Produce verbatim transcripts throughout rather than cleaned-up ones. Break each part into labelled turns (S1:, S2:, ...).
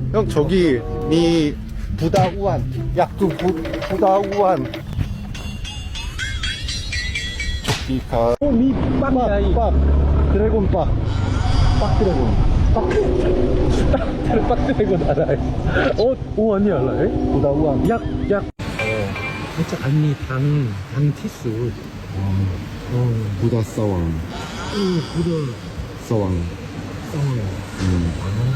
S1: 형 저기 미 부다우안 약주 부, 부다우안 조끼가 미 빡빡 드래곤 빡 빡 드래곤 빡 빡 드래곤 알아요. 어? 오 아니 알아요? 부다우안 약약
S2: 진짜 아니 당, 당 티수. 어,
S1: 부다 사왕
S2: 어, 부드
S1: 사왕
S2: 어.
S1: 음.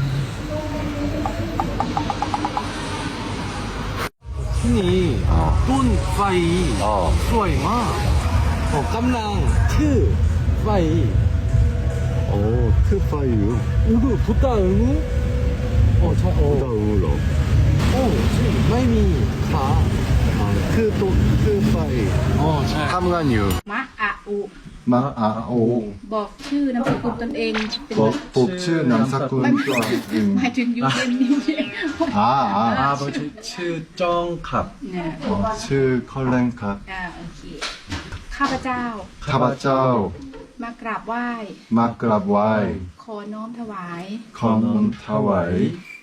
S2: 흔히
S1: 어.
S2: 돈 파이
S1: 어.
S2: 수아이 마. 어, 깜랑 트 파이.
S1: 오 트파이유
S2: 우드 부다 응우. 어, 자,
S1: 부다
S2: 어,
S1: 우로
S2: 어, 지금 마이미 가.
S1: 트또 트파이
S2: 어, 잘.
S1: 탐간유
S3: มะอะอุ
S1: 마아오
S3: บอกชื่อนามสกุลตนเองเป็น
S1: 복츠 남사꾼
S3: หมายถึงยูเอ็นนี่
S1: 아아
S2: 아버지 츠정갑.
S3: เนี่ย
S1: 츠 컬렌카
S3: อ่าโอเคข้าพเจ้า
S1: 카바짜오
S3: มากราบไหว้
S1: 마크랍와이
S3: ขอน้อมถวาย
S1: 컴타와이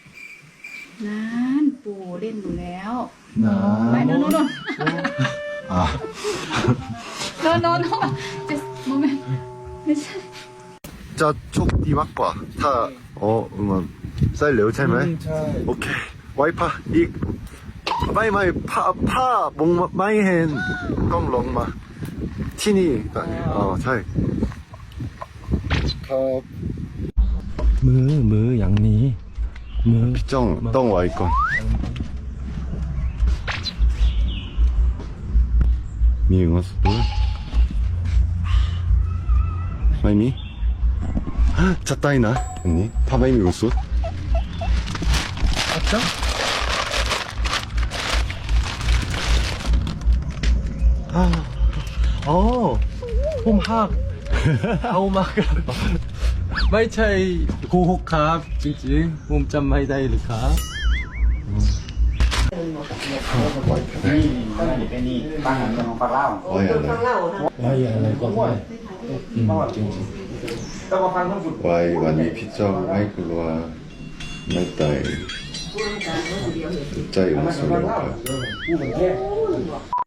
S3: นั้นปู่เล่นอยู่แล้วไม่
S1: 나
S3: โนโนโน
S1: 아
S3: โนโนโน just moment ไม่ใช่
S1: 자, 촉 디막과 타, 어, 음원, 쌀 레오 차이마이? 오케이. 와이파, 이, 마이 마이, 파, 파, 몽, 마이 헨, 껑, 롱마. 티니, 어, 차이. 컵,
S2: มือมืออย่างนี้มือ
S1: 피정, 덩, 와이건. 미응어스, 물. 마이미? 잣다이나 언니 파마이미 우수
S2: 맞죠? 아, 어, 홈학, 하오마가, 마이차이 고호캅, 찡찡, 홈짬 마이다이 르캅.
S1: 와이 알라
S2: 와이 알레 거.
S1: 와이 완이 피정 와이 글로와 마이따이 짜이 우수령가